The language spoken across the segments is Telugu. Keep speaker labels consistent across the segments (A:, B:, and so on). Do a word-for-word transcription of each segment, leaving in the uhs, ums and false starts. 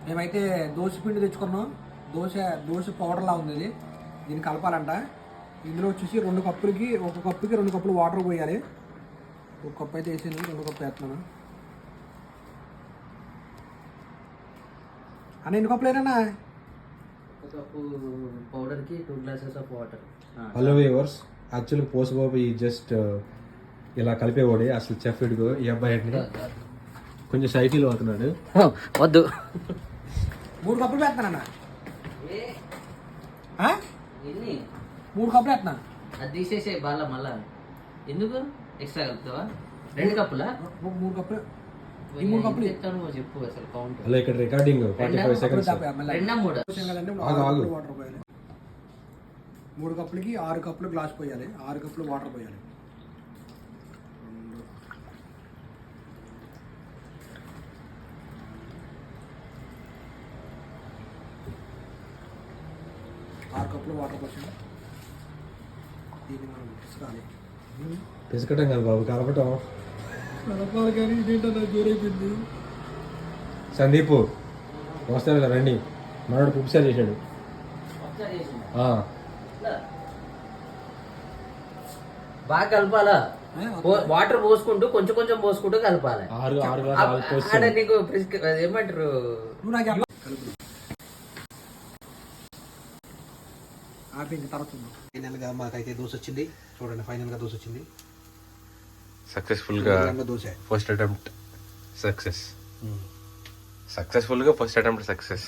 A: మేమైతే దోశ పిండి తెచ్చుకున్నాం. దోశ దోశ పౌడర్లా ఉంది ఇది. దీన్ని కలపాలంట. ఇందులో వచ్చేసి రెండు కప్పులకి ఒక కప్పుకి రెండు కప్పులు వాటర్ పోయాలి. ఒక కప్పు అయితే వేసాను, రెండు కప్పు వేస్తున్నాను అన్న. ఎన్ని కప్పులు అయినా?
B: ఒక కప్పు పౌడర్కి two glasses of water.
C: Hello viewers, యాక్చువల్గా పోసుబాబు ఈ జస్ట్ ఇలా కలిపేవాడే అసలు చెఫ్ ఇడుగో ఈ అబ్బాయి కొంచెం సైకిల్ అవుతున్నాడు.
B: వద్దు,
A: మూడు కప్పులు వేస్తానన్న.
B: ఎన్ని?
A: మూడు కప్పులు వేస్తున్నాను.
B: అది తీసేసే బాల మళ్ళా ఎందుకు ఎక్స్ట్రా కలుపుతావా? రెండు కప్పులా?
A: మూడు కప్పులు. ఈ మూడు కప్పులు
B: చెప్తాను చెప్పు అసలు కౌంట్.
C: అలా ఇక్కడ రికార్డింగ్ ఫార్టీ ఫైవ్ సెకండ్స్.
B: రెండా మూడు?
A: వాటర్ పోయాలి. మూడు కప్పులకి ఆరు కప్పులు గ్లాస్ పోయాలి. ఆరు కప్పులు వాటర్ పోయాలి. ఆరు కప్పులు వాటర్ పోసాను. దీన్ని మనం పిసకాలి.
C: పిసకటం కాదు బాబు, కలపటం.
A: కలపాలి కానీ ఇదేంటన్నా జోరైపోయింది.
C: సందీప్ వస్తాను రండి, మనోడు పుప్సారి చేశాడు.
B: బాగా కలపాలా? వాటర్ పోసుకుంటూ కొంచెం కొంచెం పోసుకుంటూ కలపాలి.
C: ఆరు ఆరు గ్లాసులు
B: నీకు ఏమంటారు?
A: ఆపింది తర్వాత ఫైనల్గా మాకైతే దోశ వచ్చింది. చూడండి, ఫైనల్గా దోశ వచ్చింది.
D: సక్సెస్ఫుల్గా
A: దోశ
D: ఫస్ట్ అటెంప్ట్ సక్సెస్. సక్సెస్ఫుల్గా first attempt success.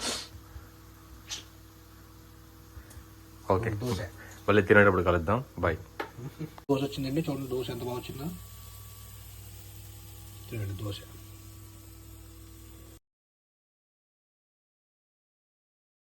D: Okay,
A: dosa
D: మళ్ళీ తినేటప్పుడు కలుద్దాం. బాయ్.
A: దోశ వచ్చిందండి. చూడండి దోశ ఎంత బాగా వచ్చిందో. చూడండి దోశ.